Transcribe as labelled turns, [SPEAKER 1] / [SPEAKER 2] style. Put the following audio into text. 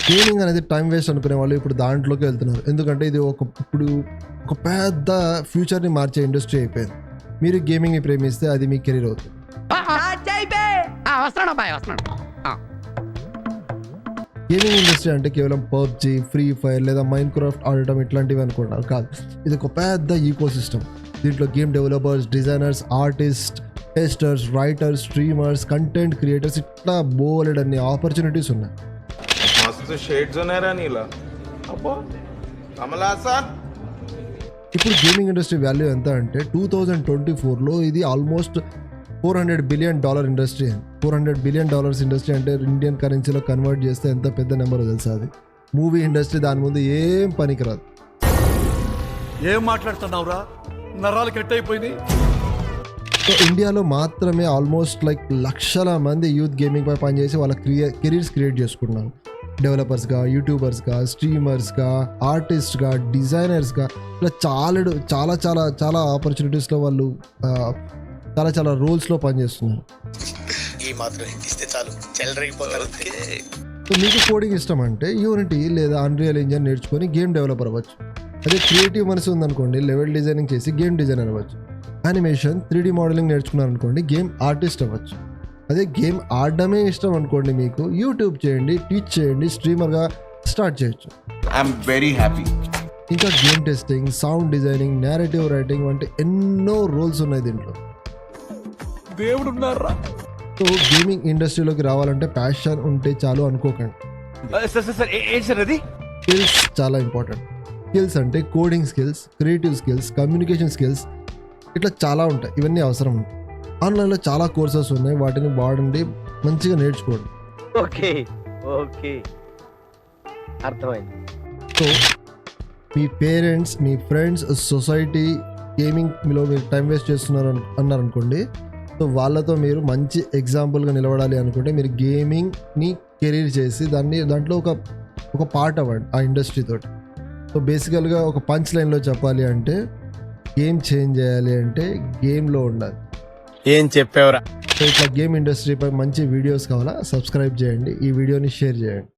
[SPEAKER 1] Gaming అనేది time waste అనుకునే వాళ్ళు ఇప్పుడు దాంట్లోకి వెళ్తున్నారు. ఎందుకంటే ఇది ఇప్పుడు ఒక పెద్ద ఫ్యూచర్ని మార్చే ఇండస్ట్రీ అయిపోయింది. మీరు గేమింగ్ని ప్రేమిస్తే అది మీ కెరీర్ అవుతుంది. గేమింగ్ ఇండస్ట్రీ అంటే కేవలం పబ్జీ, ఫ్రీ ఫైర్ లేదా మైన్ క్రాఫ్ట్ ఆడటం ఇట్లాంటివి అనుకుంటారు. కాదు, ఇది ఒక పెద్ద ఈకో సిస్టమ్. దీంట్లో game developers, designers, artist, testers, writers, streamers, content creators ఇట్లా బోలెడ్ అన్ని ఆపర్చునిటీస్ ఉన్నాయి. ఇప్పుడు గేమింగ్ ఇండస్ట్రీ వాల్యూ ఎంత అంటే 2024లో ఇది almost $400 billion industry. $400 billion industry అంటే ఇండియన్ కరెన్సీలో కన్వర్ట్ చేస్తే ఎంత పెద్ద నెంబర్ తెలుసా? అది మూవీ ఇండస్ట్రీ దాని ముందు ఏం పనికిరాదు.
[SPEAKER 2] ఏం మాట్లాడుతున్నావురా, నరాలు కట్ అయిపోయింది.
[SPEAKER 1] సో ఇండియాలో మాత్రమే ఆల్మోస్ట్ లక్షల మంది యూత్ గేమింగ్ పై పనిచేసి వాళ్ళ కెరీర్స్ క్రియేట్ చేసుకుంటున్నారు. డెవలపర్స్గా, యూట్యూబర్స్గా, స్ట్రీమర్స్గా, ఆర్టిస్ట్గా, డిజైనర్స్గా ఇలా చాలా చాలా చాలా ఆపర్చునిటీస్లో వాళ్ళు చాలా రోల్స్లో పనిచేస్తున్నారు. సో మీకు కోడింగ్ ఇష్టం అంటే యూనిటీ లేదా అన్రియల్ ఇంజిన్ నేర్చుకొని గేమ్ డెవలపర్ అవ్వచ్చు. అదే క్రియేటివ్ మనసు ఉందనుకోండి, లెవెల్ డిజైనింగ్ చేసి గేమ్ డిజైనర్ అవ్వచ్చు. యానిమేషన్, 3D మోడలింగ్ నేర్చుకున్నారనుకోండి, గేమ్ ఆర్టిస్ట్ అవ్వచ్చు. అదే గేమ్ ఆడడమే ఇష్టం అనుకోండి, మీకు యూట్యూబ్ చేయండి, టీచ్ చేయండి, స్ట్రీమర్గా స్టార్ట్ చేయొచ్చు.
[SPEAKER 3] I'm very happy.
[SPEAKER 1] ఇంకా game testing, sound designing, narrative writing వంటి ఎన్నో రోల్స్ ఉన్నాయి దీంట్లో.
[SPEAKER 2] దేవుడు ఉన్నారా?
[SPEAKER 1] సో గేమింగ్ ఇండస్ట్రీలోకి రావాలంటే ప్యాషన్ ఉంటే చాలు అనుకోకండి. స్కిల్స్ చాలా ఇంపార్టెంట్. స్కిల్స్ అంటే coding skills, creative skills, communication skills ఇట్లా చాలా ఉంటాయి. ఇవన్నీ అవసరం ఉంటాయి. ఆన్లైన్లో చాలా కోర్సెస్ ఉన్నాయి, వాటిని వాడండి, మంచిగా నేర్చుకోండి. సో మీ పేరెంట్స్, మీ ఫ్రెండ్స్, సొసైటీ గేమింగ్లో మీరు టైం వేస్ట్ చేస్తున్నారు అన్నారనుకోండి, సో వాళ్ళతో మీరు మంచి ఎగ్జాంపుల్గా నిలబడాలి అనుకుంటే మీరు గేమింగ్ని కెరీర్ చేసి దాంట్లో ఒక పార్ట్ అవ్వండి ఆ ఇండస్ట్రీ తోటి. సో బేసికల్గా ఒక పంచ్ లైన్లో చెప్పాలి అంటే గేమ్ చేంజ్ చేయాలి అంటే గేమ్లో ఉండాలి.
[SPEAKER 4] ఏం చెప్పావురా?
[SPEAKER 1] సో ఇట్లా గేమ్ ఇండస్ట్రీపై మంచి వీడియోస్ కావాలా? సబ్స్క్రైబ్ చేయండి, ఈ వీడియోని షేర్ చేయండి.